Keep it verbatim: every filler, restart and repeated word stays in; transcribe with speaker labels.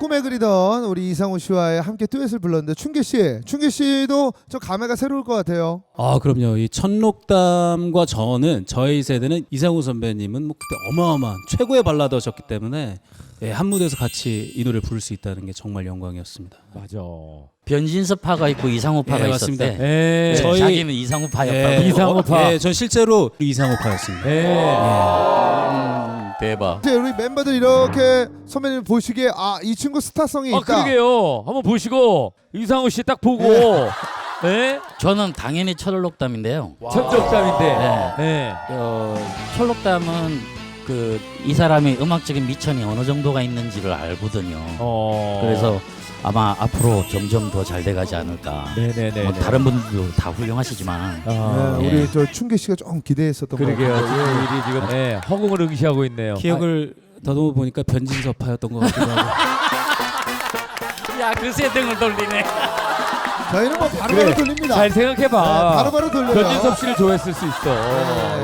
Speaker 1: 꿈에 그리던 우리 이상우 씨와의 함께 듀엣을 불렀는데 춘계 씨, 춘계 씨도 저 감회가 새로울 것 같아요.
Speaker 2: 아 그럼요. 이 천록담과 저는 저희 세대는 이상우 선배님은 뭐 그때 어마어마한 최고의 발라더셨기 때문에 예, 한 무대에서 같이 이 노래를 부를 수 있다는 게 정말 영광이었습니다.
Speaker 3: 맞아.
Speaker 4: 변진섭파가 있고 이상우파가
Speaker 2: 예,
Speaker 4: 있었대.
Speaker 2: 맞습니다.
Speaker 3: 예.
Speaker 4: 저희
Speaker 2: 저희-
Speaker 4: 자기는 이상우파였다고.
Speaker 2: 예,
Speaker 3: 이상우파.
Speaker 2: 예, 전 실제로 이상우파였습니다.
Speaker 3: 예.
Speaker 4: 음, 대박.
Speaker 1: 이제 우리 멤버들 이렇게 선배님 보시기에 아, 이 친구 스타성이
Speaker 3: 아
Speaker 1: 있다.
Speaker 3: 그러게요. 한번 보시고 이상우 씨 딱 보고. 예.
Speaker 4: 저는 당연히 철록담인데요.
Speaker 3: 천적담인데.
Speaker 4: 네.
Speaker 3: 예.
Speaker 4: 어, 철록담은 그 이 사람의 음악적인 미천이 어느 정도가 있는지를 알거든요.
Speaker 3: 어.
Speaker 4: 그래서 아마 앞으로 점점 더 잘 돼가지 않을까.
Speaker 3: 네네네.
Speaker 4: 뭐 다른 분들도 다 훌륭하시지만
Speaker 3: 아.
Speaker 1: 네,
Speaker 4: 예.
Speaker 1: 우리 저 춘계 씨가 좀 기대했었던 것
Speaker 3: 그러게요.
Speaker 1: 같아요.
Speaker 3: 지금 일이 지금 예, 허공을 응시하고 있네요.
Speaker 2: 기억을 더듬어 보니까 변진섭파였던 것 같기도 하고.
Speaker 4: 야, 그새 등을 돌리네.
Speaker 1: 저희는 뭐 바로바로
Speaker 3: 그래.
Speaker 1: 돌립니다.
Speaker 3: 잘 생각해봐.
Speaker 1: 네, 바로바로 돌려요.
Speaker 3: 변진섭 씨를 좋아했을 수 있어.
Speaker 1: 네.